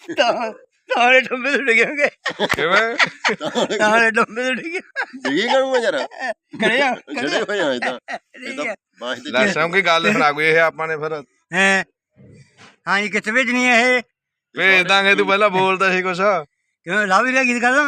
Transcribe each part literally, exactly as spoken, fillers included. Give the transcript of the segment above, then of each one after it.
ਤਾਲੇ ਡੰਬੇ ਤੋਂ ਡਿੱਗੇ ਹੋਗੇ ਕਿਵੇਂ ਤਾਲੇ ਡੰਬੇ ਤੋਂ ਡਿੱਗੇ ਡਿੱਗੀ ਕਰੂੰਗਾ ਯਾਰ ਕਰਿਆ ਜਿਹੜੇ ਹੋਏ ਆ ਇਹ ਤਾਂ ਇਹ ਤਾਂ ਬਾਸ਼ ਦੇ ਲੈ ਸੌਂਕੀ ਗੱਲ ਸੁਣਾ ਕੋਈ ਇਹ ਆਪਾਂ ਨੇ ਫਿਰ ਹੈ ਹਾਂ ਜੀ ਕਿੱਥੇ ਭੇਜਣੀ ਹੈ ਇਹ ਭੇਜ ਦਾਂਗੇ ਤੂੰ ਪਹਿਲਾਂ ਬੋਲਦਾ ਸੀ ਕੁਛ ਕਿਉਂ ਲਾ ਵੀ ਲਿਆ ਗੀਤ ਕਰਦਾ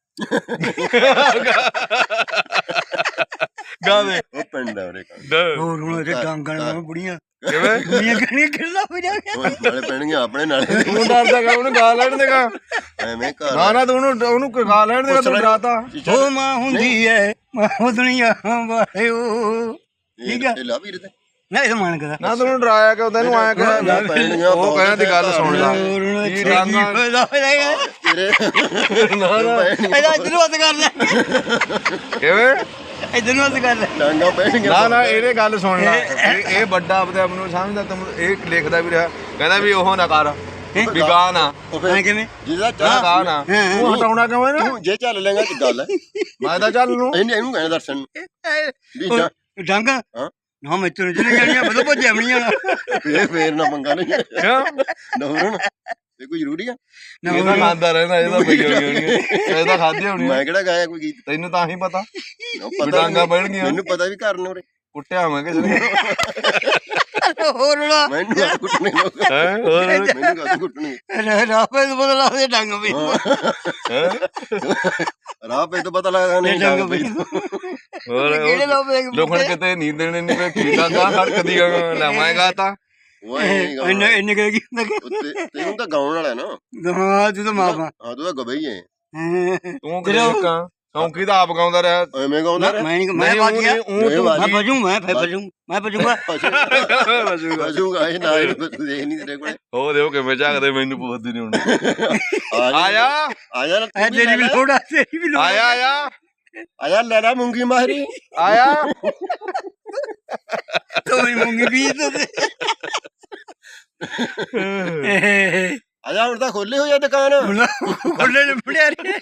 ਗਾ ਦੇ ਉਹ ਪਿੰਡ ਆ ਉਰੇ ਹੋਰ ਹੁਣ ਤੇ ਡਾਂਗਣ ਨਾਲ ਬੁੜੀਆਂ ਕਿਵੇਂ ਬੁੜੀਆਂ ਕਿਹੜੀਆਂ ਕਿਹੜਾ ਹੋ ਜਾ ਉਹ ਨਾਲੇ ਪੈਣਗੇ ਆਪਣੇ ਨਾਲੇ ਤੂੰ ਡਰਦਾ ਗਾ ਉਹਨੂੰ ਗਾ ਲੈਣ ਦੇਗਾ ਐਵੇਂ ਘਰ ਨਾ ਨਾ ਤੂੰ ਉਹਨੂੰ ਉਹਨੂੰ ਗਾ ਲੈਣ ਦੇਗਾ ਤੂੰ ਡਰਾਤਾ ਉਹ ਮਾਂ ਹੁੰਦੀ ਹੈ ਮਾਂ ਦੁਨੀਆ ਵਾਹਿਓ ਠੀਕ ਆ ਇਹ ਲਾ ਵੀਰ ਤੇ ਨਾ ਇਹ ਮਾਨ ਕਰਾ ਨਾ ਤੈਨੂੰ ਡਰਾਇਆ ਕਿ ਤੈਨੂੰ ਆਇਆ ਕਿ ਉਹ ਕਹਿੰਦਾ ਦੀ ਗੱਲ ਸੁਣ ਲੈ ਕੀ ਫਾਇਦਾ ਹੋਏਗਾ ਤੇਰੇ ਨਾ ਨਾ ਇਹਦਾ ਇਧਰ ਨੂੰ ਹੱਥ ਕਰ ਲੈ ਕਿਵੇਂ ਇਧਰ ਨੂੰ ਹੱਥ ਕਰ ਲੈ ਡਾਂਗਾ ਪੈਣਗੀਆਂ ਨਾ ਨਾ ਇਹਦੇ ਗੱਲ ਸੁਣ ਲੈ ਇਹ ਇਹ ਵੱਡਾ ਆਪਣੇ ਆਪ ਨੂੰ ਸਮਝਦਾ ਤੈਨੂੰ ਇਹ ਲਿਖਦਾ ਵੀ ਰਿਹਾ ਕਹਿੰਦਾ ਵੀ ਉਹ ਨਾ ਕਰ ਵੀ ਗਾ ਨਾ ਐ ਕਿਵੇਂ ਜਿਹਦਾ ਨਾ ਚਾਹ ਗਾ ਨਾ ਤੂੰ ਹਟਾਉਣਾ ਕਿਉਂ ਇਹਨੂੰ ਤੂੰ ਜੇ ਚੱਲ ਲੈਂਗਾ ਤੇ ਗੱਲ ਹੈ ਮੈਂ ਤਾਂ ਚੱਲ ਨੂੰ ਇਹਨੇ ਇਹਨੂੰ ਕਹਿਣਾ ਦਰਸ਼ਨ ਨੂੰ ਵੀ ਜਾ ਡੰਗ ਹਾਂ ਨਾ ਮੈਂ ਤੈਨੂੰ ਜਿਹੜੇ ਜਾਣੀਆਂ ਬਦੋ ਭੱਜਿਆ ਬਣੀਆਂ ਫੇਰ ਫੇਰ ਨਾ ਮੰਗਾ ਨਹੀਂ ਕਿਉਂ ਨਾ ਹੁਣ ਇਹ ਕੋਈ ਜ਼ਰੂਰੀ ਆ ਇਹ ਤਾਂ ਖਾਂਦਾ ਰਹਿੰਦਾ ਇਹਦਾ ਪਈ ਹੋਣੀ ਹੋਣੀ ਇਹਦਾ ਖਾਧੀ ਹੋਣੀ ਮੈਂ ਕਿਹੜਾ ਗਾਇਆ ਕੋਈ ਗੀਤ ਤੈਨੂੰ ਤਾਂ ਹੀ ਪਤਾ ਉਹ ਵੀ ਡਾਂਗਾ ਪੈਣਗੀਆਂ ਮੈਨੂੰ ਪਤਾ ਵੀ ਘਰ ਨੇ ਉਰੇ ਕੁੱਟਿਆ ਮੈਂ ਕਿਸੇ ਨੇ ਹੋਰ ਨਾ ਮੈਨੂੰ ਆ ਕੁੱਟਣੇ ਲੋਕ ਹੈ ਹੋਰ ਮੈਨੂੰ ਕਾਹਦੇ ਕੁੱਟਣੇ ਰਾਪੇ ਤੋਂ ਬਦਲਾ ਦੇ ਡੰਗ ਵੀ ਰਾਹ ਪੇ ਤਾਂ ਪਤਾ ਲੱਗਦਾ ਨਹੀਂ ਡੰਗ ਵੀ ਹੋਰ ਕਿਹੜੇ ਲੋਪੇ ਲੋਕਣ ਕਿਤੇ ਨੀਂਦ ਦੇਣੇ ਨਹੀਂ ਪਏ ਕੀ ਡਾਂਗਾ ਹੜਕਦੀ ਲੈ ਮੈਂ ਗਾਤਾ ਉਹ ਇਹ ਇੰਨੇ ਇੰਨੇ ਕੀ ਹੁੰਦਾ ਕਿ ਉੱਤੇ ਤੈਨੂੰ ਤਾਂ ਗਾਉਣ ਵਾਲਾ ਨਾ ਹਾਂ ਤੂੰ ਤਾਂ ਮਾਫਾ ਹਾਂ ਤੂੰ ਤਾਂ ਗਬਈ ਹੈ ਤੂੰ ਕਿਹੜਾ ਸੌਂਕੀ ਤਾਂ ਆਪ ਗਾਉਂਦਾ ਰਿਹਾ ਐਵੇਂ ਗਾਉਂਦਾ ਰਿਹਾ ਮੈਂ ਨਹੀਂ ਮੈਂ ਬਾਤ ਗਿਆ ਮੈਂ ਭਜੂ ਮੈਂ ਫੇ ਭਜੂ ਮੈਂ ਭਜੂਗਾ ਅਜੂਗਾ ਇਹ ਨਾ ਇਹ ਤੂੰ ਦੇਖ ਨਹੀਂ ਤੇਰੇ ਕੋਲੇ ਹੋ ਦੇਓ ਕਿਵੇਂ ਝਾਕਦੇ ਮੈਨੂੰ ਪੁੱਛਦੀ ਨਹੀਂ ਹੁਣ ਆਇਆ ਆਇਆ ਨਾ ਐ ਤੇਰੀ ਵੀ ਲੋੜ ਆ ਤੇਰੀ ਵੀ ਲੋੜ ਆਇਆ ਆਇਆ ਆਇਆ ਲੈ ਲੈ ਮੂੰਗੀ ਮਾਹਰੀ ਆਇਆ ਤੂੰ ਹੀ ਮੂੰਗੀ ਵੀ ਤੇ ਆਇਆ ਹੁਣ ਤਾਂ ਖੋਲੇ ਹੋ ਜਾ ਦੁਕਾਨ ਖੋਲੇ ਨੇ ਫੜਿਆ ਰੇ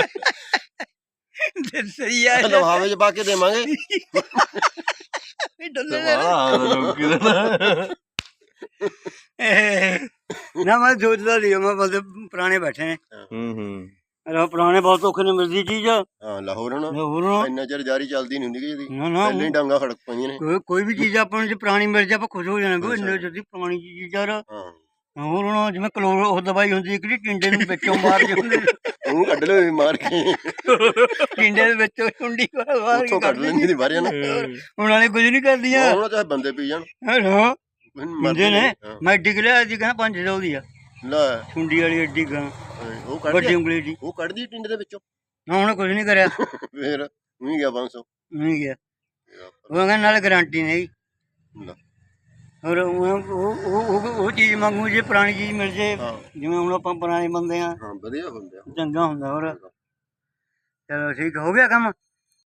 ਤੇ ਸਹੀ ਆ ਲਵਾਵੇ ਚ ਪਾ ਕੇ ਦੇਵਾਂਗੇ ਡੱਲੇ ਨਾ ਮੈਂ ਸੋਚਦਾ ਸੀ ਮੈਂ ਬਸ ਪੁਰਾਣੇ ਬੈਠੇ ਨੇ ਹੂੰ ਹੂੰ ਅਰੇ ਪੁਰਾਣੇ ਬਹੁਤ ਔਖੇ ਨੇ ਮਿਲਦੀ ਚੀਜ਼ ਹਾਂ ਲਾਹੌਰ ਹੁਣ ਹੋਰ ਇੰਨਾ ਚਿਰ ਜਾਰੀ ਚੱਲਦੀ ਨਹੀਂ ਹੁੰਦੀ ਇਹਦੀ ਨਾ ਨਾ ਪਹਿਲਾਂ ਹੀ ਡਾਂਗਾ ਖੜਕ ਪਈਆਂ ਨੇ ਕੋਈ ਕੋਈ ਵੀ ਚੀਜ਼ ਆਪਾਂ ਨੂੰ ਜੇ ਪੁਰਾਣੀ ਮਿਲ ਜਾ ਆਪਾਂ ਖੁਸ਼ ਹੋ ਜਾਣਾ ਵੀ ਇੰਨੇ ਜਲਦੀ ਪੁਰਾਣੀ ਚੀਜ਼ ਯਾਰ ਹਾਂ ਹੋਰ ਹੁਣ ਜਿਵੇਂ ਕਲੋਰ ਉਹ ਦਵਾਈ ਹੁੰਦੀ ਹੈ ਕਿਹੜੀ ਟਿੰਡੇ ਨੂੰ ਵਿੱਚੋਂ ਮਾਰ ਜਾਂਦੇ ਉਹ ਕੱਢ ਲੈ ਮਾਰ ਕੇ ਟਿੰਡੇ ਦੇ ਵਿੱਚੋਂ ਟੁੰਡੀ ਮਾਰ ਉੱਥੋਂ ਕੱਢ ਲੈਂਦੀ ਦੀ ਬਾਰੀਆਂ ਨਾ ਹੁਣ ਵਾਲੇ ਕੁਝ ਨਹੀਂ ਕਰਦੀਆਂ ਉਹਨਾਂ ਚਾਹੇ ਬੰਦੇ ਪੀ ਜਾਣ ਹਾਂ ਮਰਦੇ ਨੇ ਮੈਂ ਐਡੀ ਲਿਆ ਜੀ ਕਹਿੰਦਾ ਪੰਜ ਸੌ ਦੀ ਆ ਲੈ ਟੁੰਡੀ ਵਾਲੀ ਐਡੀ ਗਾਂ ਉਹ ਕੱਢ ਵੱਡੀ ਉਂਗਲੀ ਦੀ ਉਹ ਕੱਢਦੀ ਟਿੰਡ ਦੇ ਵਿੱਚੋਂ ਨਾ ਹੁਣ ਕੁਝ ਨਹੀਂ ਕਰਿਆ ਫੇਰ ਉਹੀ ਗਿਆ ਪੰਜ ਸੌ ਨਹੀਂ ਗਿਆ ਉਹ ਕਹਿੰਦਾ ਨਾਲ ਗਾਰੰਟੀ ਨਹੀਂ ਲੈ ਔਰ ਉਹ ਉਹ ਉਹ ਚੀਜ਼ ਮੰਗੂ ਜੇ ਪੁਰਾਣੀ ਚੀਜ਼ ਮਿਲ ਜੇ ਜਿਵੇਂ ਹੁਣ ਆਪਾਂ ਪੁਰਾਣੇ ਬੰਦੇ ਆ ਹਾਂ ਵਧੀਆ ਹੁੰਦੇ ਆ ਚੰਗਾ ਹੁੰਦਾ ਹੋਰ ਚਲੋ ਠੀਕ ਹੋ ਗਿਆ ਕੰਮ